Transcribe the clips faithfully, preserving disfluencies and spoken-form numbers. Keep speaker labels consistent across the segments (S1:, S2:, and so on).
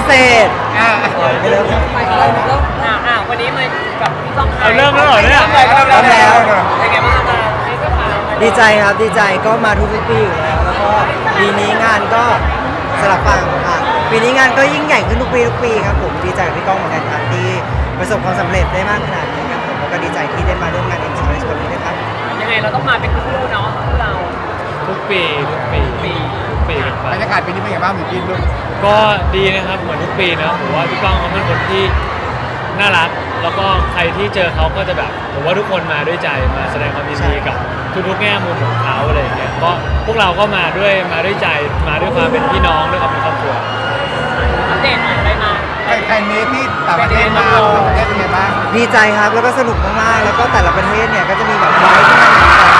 S1: เศษอ่าไม่เริ่ม
S2: ไปเริ่มเริ่มอ่าอ่าวันนี้มากับพี่ต้องไทย
S3: เริ่มแล้วเหรอเนี่ย
S2: เริ่มแล้ว
S1: เริ่มแล้ว
S2: เป็นไงบ้างคะนี่ก็มา
S1: ดีใจครับดีใจก็มาทุกปีอยู่แล้วแล้วก็ปีนี้งานก็สลับฝั่งค่ะปีนี้งานก็ยิ่งใหญ่ขึ้นทุกปีทุกปีครับผมดีใจกับพี่ก้องเหมือนกันครับที่ประสบความสำเร็จได้มากขนาดนี้ครับผมแล้วก็ดีใจที่ได้มาร่วมงานเอ็มซีในวันนี้ด้วยครับ
S2: ยังไงเราต้องมาเป็นคู่เนาะคู่เรา
S3: ทุกปีทุกปีทุกปีกันไป
S4: บรรยากาศปีนี้เป็นไงบ้างพี่กินลูก
S3: ก็ดีนะครับเหมือนทุกปีนะผมว่าพี่ก้องเขาเป็นคนที่น่ารักแล้วก็ใครที่เจอเขาก็จะแบบผมว่าทุกคนมาด้วยใจมาแสดงความยินดีกับทุกๆแง่มุมของเขาอะไรอย่างเงี้ยก็พวกเราก็มาด้วยมาด้วยใจมาด้วยความเป็นพี่น้องด้วยความเป็นครอบครัว
S2: อัปเดตหน่อยได้มา
S4: ใครใครนี้ที่ต่างประเทศมาต่างประเทศเป็นไงบ้าง
S1: ดีใจครับแล้วก็สนุกมากๆแล้วก็แต่ละประเทศเนี่ยก็จะมีแบบไว้ที่มัน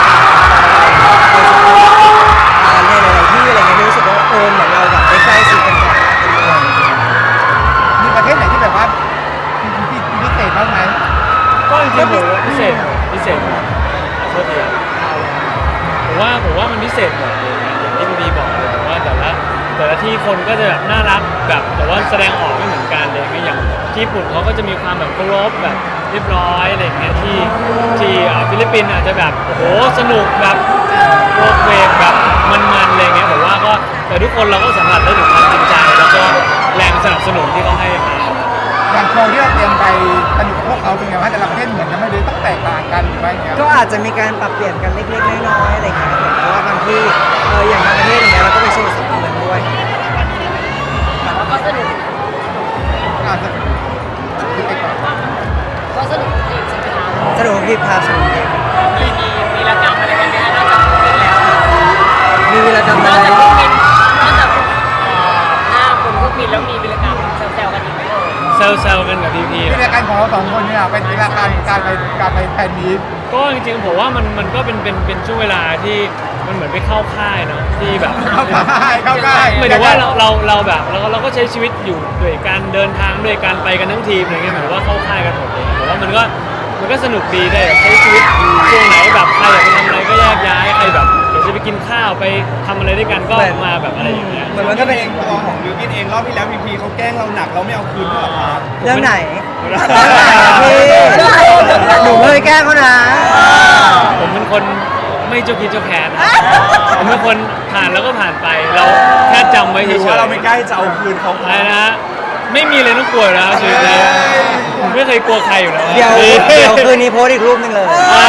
S1: อ่าในหลายๆที่อะไรเงี้ยรู้สึกว่าเออเหมือนเราแบบได้ใกล้ชิดกันแบบเป็นเมือง
S4: มีประเทศไหนที่แบบว่าที่พิเศษบ้างไหม
S3: ก็จริงๆผมว่าพิเศษพิเศษหมดขอโทษทีครับผมว่าผมว่ามันพิเศษหมดเลยนะอย่างที่พี่บีบอกเลยว่าแต่ละแต่ละที่คนก็จะแบบน่ารักแบบแต่ว่าแสดงออกไม่เหมือนกันเลยอย่างที่ญี่ปุ่นเขาก็จะมีความแบบเคารพแบบเรียบร้อยอะไรอย่างเงี้ยที่ที่อ่าฟิลิปปินส์อาจจะแบบโอ้โหสนุกแบบโรกเวกแบบมันๆอะไรเงี้ยผมว่าก็แต่ทุกคนเราก็สัมผัสได้ถึงความจริงใจแล้วก็แรงสนับสนุนที่เขาให้มา
S4: อย่างโชว์ที่เราเตรียมไปสนุกกับพวกเขาเป็นไงบ้างแต่ละประเทศเหมือนกันไหม่ได้ต้องแตกต่างกันหรือว่าอย่างเงี้ย
S1: ก็อาจจะมีการปรับเปลี่ยนกันเล็กๆน้อยๆอะไรอย่างเงี้ยครับผมเพราะว่าบางที่เอออย่างบางประเทศอย่างเงี้ยเราก็ไปโชว์สองคนด้วย
S2: แล้วก็สนุก
S4: อาจจะที่ไปก่อน
S2: ก็สนุกจริงใช่ไหมคะ
S1: สนุกที่พาสนุกดี
S2: มีมีมีรกรรมอะไรกันไหมคะนอกจากคู่บินแล้ว
S1: มีวีรกรรม
S2: น
S1: อะ
S2: อก
S1: ไร
S2: จากคู่บินนอกจากเอ่อห้าคนคู่บินแล้วมีวีรกรรมแซวๆกันอีกไหมเอ่ย
S3: เซลเซลกันกับพี่พี
S4: ที่รายการของเราสองคนเนี่ยเป็นรายการการไปการไปแฟนมีต
S3: ก็จริงๆผมว่ามันมันก็เป็นเป็นเป็นช่วงเวลาที่มันเหมือนไปเข้าค่ายเนาะที่แบบ
S4: เข้าค่ายเข้าค่าย
S3: หมายถึงว่าเราเราเราแบบเราเราก็ใช้ชีวิตอยู่ด้วยการเดินทางด้วยการไปกันทั้งทีมอะไรเงี้ยหมายถึงว่าเข้าค่ายกันหมดเลยผมว่ามันก็มันก็สนุกดีได้แบบใช้ชีวิตช่วงไหนแบบใครอยากไปทำอะไรก็แยกย้ายใครแบบอยากจะไปกินข้าวไปทำอะไรด้วยกันก็มาแบบอะไรอย่างเงี้ย
S1: เหมือนมันก็เป็น
S5: ตัวของบิวกินเองรอบที่แล้วพีพีเขาแกล้งเราหนักเราไม่เอาคืนด้วยเหรอครับ
S1: เรื่องไหนพี่หนูเคยแกล้งเขานะ
S3: ผมเป็นคนไม่เจ้าคิดเจ้าแค้นผมเป็นคนผ่านแล้วก็ผ่านไปเราแค่จำไว้
S5: ห
S3: เฉ
S5: รื
S3: ย
S5: อ
S3: ๆ
S5: ว่าเราไม่ใกล้จะเอาคืนเขา
S3: อะไรนะ ไม่มีเลยต้องกลัวนะชีวิตนี้ผมไม่เคยกลัวใครอยู่แล้ว
S1: เดี๋ยวเดี๋ยวคืนนี้โพสต์อีกรูปหนึงเลย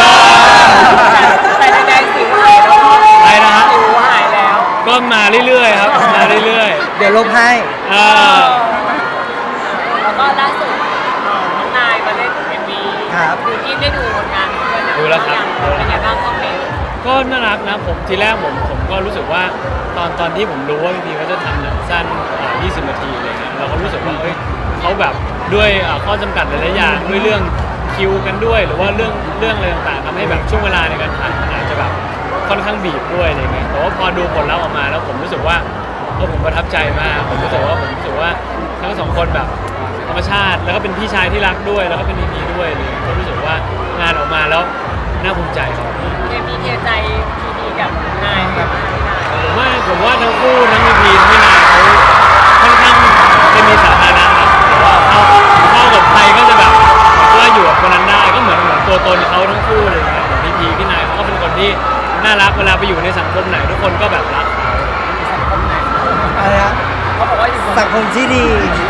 S2: แต่แดงๆสิวหายแล้ว
S3: ไปนะฮะ
S2: สิวหายแล้ว
S3: ก็มาเรื่อยๆครับมาเรื่อย
S1: เดี๋ยวลบให้
S3: ๆอ่า
S2: แล้วก็ล่าสุดเอ่อน้องนายมาเล่นเอ็มวี
S1: ครับ
S2: ดูที่ได้ดูผลงานเพื่อน
S3: ดูแล้วครับ
S2: เป็นไงบ้างคอมเมนต์
S3: ก็น่ารักนะผมทีแรกผมผมก็รู้สึกว่าตอนตอนที่ผมรู้ว่าพี่พีเขาจะทำหนังสั้นอ่ายี่สิบนาทีอะไรเงี้ยเราก็รู้สึกว่าเอ้ยเขาแบบด้วยอ่าข้อจำกัดหลายๆอย่างด้วยเรื่องคิวกันด้วย หรือว่าเรื่องเรื่องอะไรต่างๆทำให้แบบช่วงเวลาในการถ่ายมันอาจจะแบบค่อนข้างบีบด้วยอะไรเงี้ยแต่ว่าพอดูผลลัพธ์ออกมาแล้วผมรู้สึกว่าเออผมประทับใจมากผมรู้สึกว่าผมรู้สึกว่าทั้งสองคนแบบธรรมชาติแล้วก็เป็นพี่ชายที่รักด้วยแล้วก็เป็นพีด้วยอะไรเลยก็รู้สึกว่างานออกมาแล้วน่าภูมิใจครับ
S2: เคมีเทใจพีดีกับนายกับนาย
S3: ผมว่าผมว่าทั้งคู่ทั้งพีพีทั้งพี่นายเขาค่อนข้างจะมีสาธารณะนะแต่ว่าเข้าเข้ากับใครก็จะแบบว่าอยู่กับคนนั้นได้ก็เหมือนเหมือนตัวตนเขาทั้งคู่เลยนะพีพีพี่นายเขาก็เป็นคนที่น่ารักเวลาไปอยู่ในสังคมไหนทุกคนก็แบบรักเขา
S2: สังคมไหน
S1: อะไรนะ
S2: เขาบอกว่าอยู่
S1: สังคมที่ดี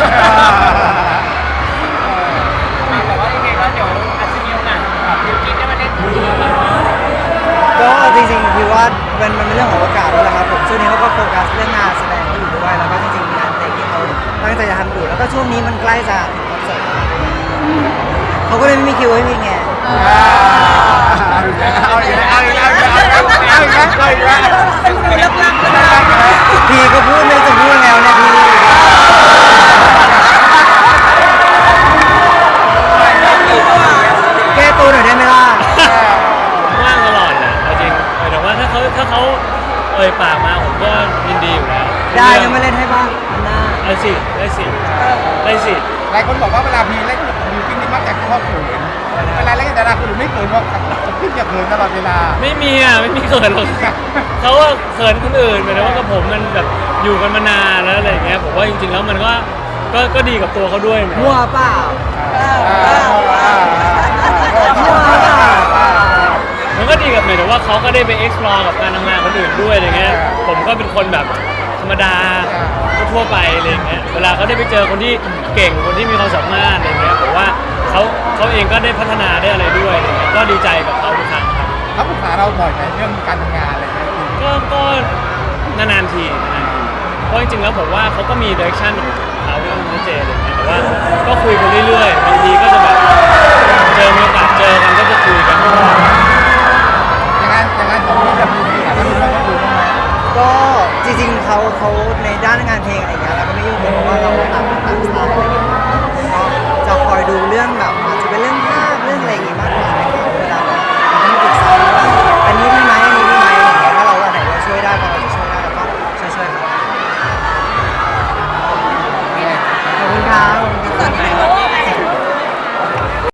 S2: แต่ว่ายังไงก็เดี๋ยวอาจจะมีโอกาสบิวกินได้มาเล่นคู่
S1: ก็จริงๆพี่ว่ามันมันเป็นเรื่องของโอกาสด้วยแหละครับผมช่วงนี้เขาก็โฟกัสเรื่องงานแสดงเขาอยู่ด้วยแล้วก็จริงๆมีงานเพลงที่เขาตั้งใจจะทำอยู่แล้วก็ช่วงนี้มันใกล้จะถึงคอนเสิร์ตเขาก็เลยไม่มีคิวให้พี่ไง
S4: เอาอีกแล้วเอาอีกแล้วเอาอีกแล้วเอาอีกแล้วเอาอีกแล้ว
S2: คือเลิกลักก็ได้
S1: พี่ก็พูดไม่จะพูดแล้วเนี่ยพี่แก้ตัวหน่อยได้ไหมล่ะ
S3: ว่างตลอดแหละเอาจริงแต่ว่าถ้าเขาถ้าเขาเอ่ยปากมาผมก็ยินดีอยู่แล้ว
S1: ได้ยังไม่เล่นให้บ้างอันหน้า
S3: ได้สิได้สิได้สิ
S4: หลายคนบอกว่าเวลาพีเล่นบิวกินนี่มักจะชอบเขินเวลาเล่นกับดาราคนอื่นไม่เขินเพราะขึ้นจะเขินตลอดเวลา
S3: ไม่มีอ่ะไม่มีเขินหรอกเขาว่าเขินคนอื่นหมายถึงว่ากับผมมันแบบอยู่กันมานานแล้วอะไรอย่างเงี้ยผมว่าจริงๆแล้วมันก็ก็ก็ดีกับตัวเขาด้วยเหมือนกัน
S1: มั่วเปล่า
S3: มันก็ดีกับหมายถึงว่าเขาก็ได้ไป explore กับการทำงานคนอื่นด้วยอะไรเงี้ยผมก็เป็นคนแบบธรรมดาทั่วไปอะไรเงี้ยเวลาเขาได้ไปเจอคนที่เก่งคนที่มีความสามารถอะไรเงี้ยผมว่าเขาเขาเองก็ได้พัฒนาได้อะไรด้วยอะไรเงี้ยก็ดีใจกับเขาทุกครั้งครับ
S4: เขาปรึกษาเราบ่อยไหมเรื่องการทำงานอะไรเงี้ย
S3: ก็ก็นานๆทีนานๆทีเพราะจริงๆแล้วผมว่าเขาก็มี direction ของเขาที่ต้องชัดเจนอะไรเงี้ยแต่ว่าก็คุยกันเรื่อยๆบางทีก็จะแบบเจอมีโอกาสเจอกันก็จะคุยกัน
S4: อย่างนั้นอย่างนั้นของพี่จะมีพี่แล้วมีเรื่องคนอื่นบ้างไหม
S1: ก็จริงๆเขาเขาในด้านงานเพลงอะไรอย่างเงี้ยเราก็ไม่ยุ่งเพราะว่าเราต่างต่างสไตล์อะไรอย่างเงี้ยก็จะคอยดูเรื่องแบบอาจจะเป็นเรื่อง